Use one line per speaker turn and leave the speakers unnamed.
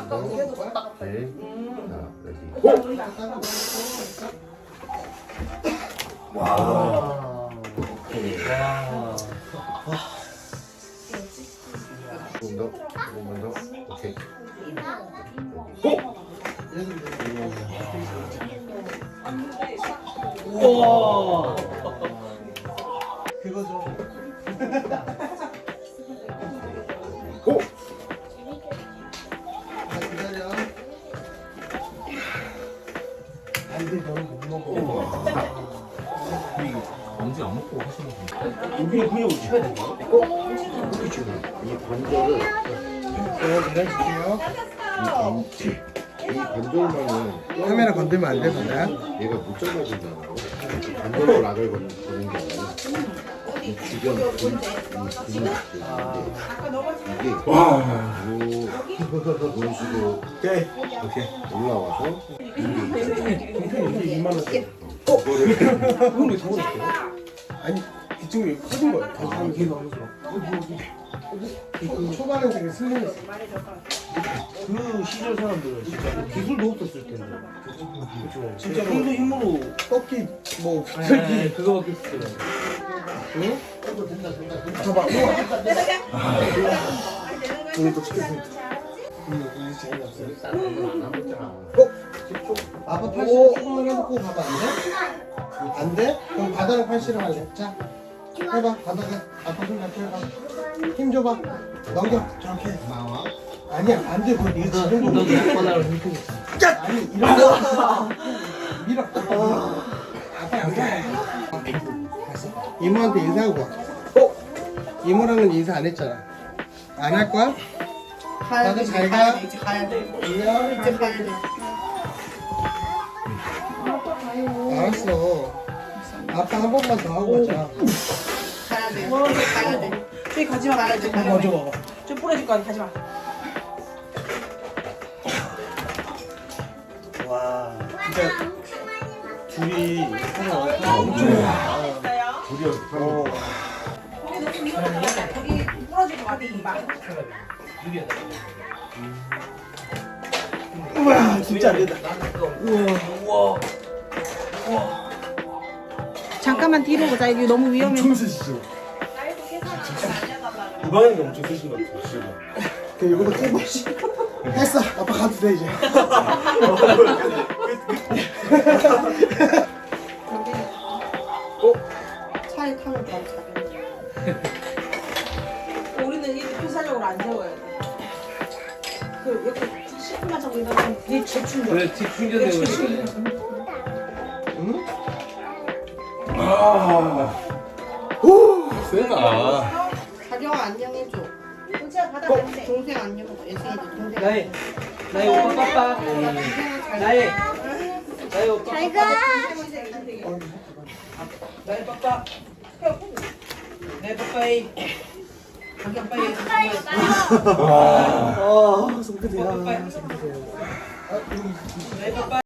오케이. 자, 레디. 고!
와.
오케이.
와.
조금 더. 오케이. 고!
우와.
그거죠.
고!
자, 기다려. 안 돼, 너는 못 먹어.
엄지 안 먹고 하시는 분.
여기 그냥 쳐야 돼.
이렇게 주는 이 관절을
내려줄게요.
이 관절만은
카메라 건들면 안 돼, 너야.
얘가 못 잡아준다고. 관절로 락을 거는 게 아니라 이 주변 근육들 이게
와.
이런 식으로
오케이.
올라와서
이게 2만 원짜리.
그거를
그건 왜 저거 냈어요? 아니, 기증이 커진 거야. 아, 이게 너무 좋아. 그 초반에 되게 슬림했어. 그 시절 사람들은 진짜 기술도 없었을 텐데. 그렇죠. 진짜 손도 힘으로 꺾기 뭐 붙들기
그거밖에 없어요.
응? 봐봐. 우리 또 시켰어. 우리 재미없어. 아빠 팔씨름 조금만 해놓고 봐봐. 안 돼? 안 돼? 그럼 바닥에 팔씨름 할래. 자, 해봐. 바닥에 아빠 손 잡고 해봐. 힘 줘봐. 넘겨. 저렇게 나와. 아니야, 안 돼. 그거 네가 지는 거.
너도 약바닥을 훑어줬어.
아니, 이런 거. 밀어. 아빠 안 돼. 다시. 이모한테 인사하고 와. 이모랑은 인사 안 했잖아. 안 할 거야? 다들 잘 가.
이제 가야 돼.
안녕.
이제 가야 돼.
알았어. 아빠 한 번만 더 하고 가자.
가야 돼. 가야 돼. 저기 가지 마. 가야 돼.
먼저 먹어.
좀 부러질 거야. 가지 마.
와, 진짜 둘이 엄청
둘이
어.
거기 부러질 거 같아. 막.
우와, 진짜 안 된다.
우와.
잠깐만 뒤로 보자. 이거 너무 위험해.
엄청 쓰시죠? 주방에는 엄청 쓰신 것 같아요, 진짜. 그 이거도 깨고 했어. 아빠 가도 돼 이제.
차에 타면 바로 자게. 우리는 이렇게 필사적으로 안 세워야 돼. 그 이렇게 10분만 자고 일어나면 뒤에 재충전.
그래, 뒷 충전되고 있어.
응?
오! 세다.
가려워 안녕해줘. 동생 받아 안돼. 동생 안녕. 애승이도 동생.
나의 오빠 빠빠. 나의 오빠.
잘 가.
나의 빠빠. 나의 빠빠이.
자기 아빠의
아, 손끝이야.
빠빠이. 나의 빠빠.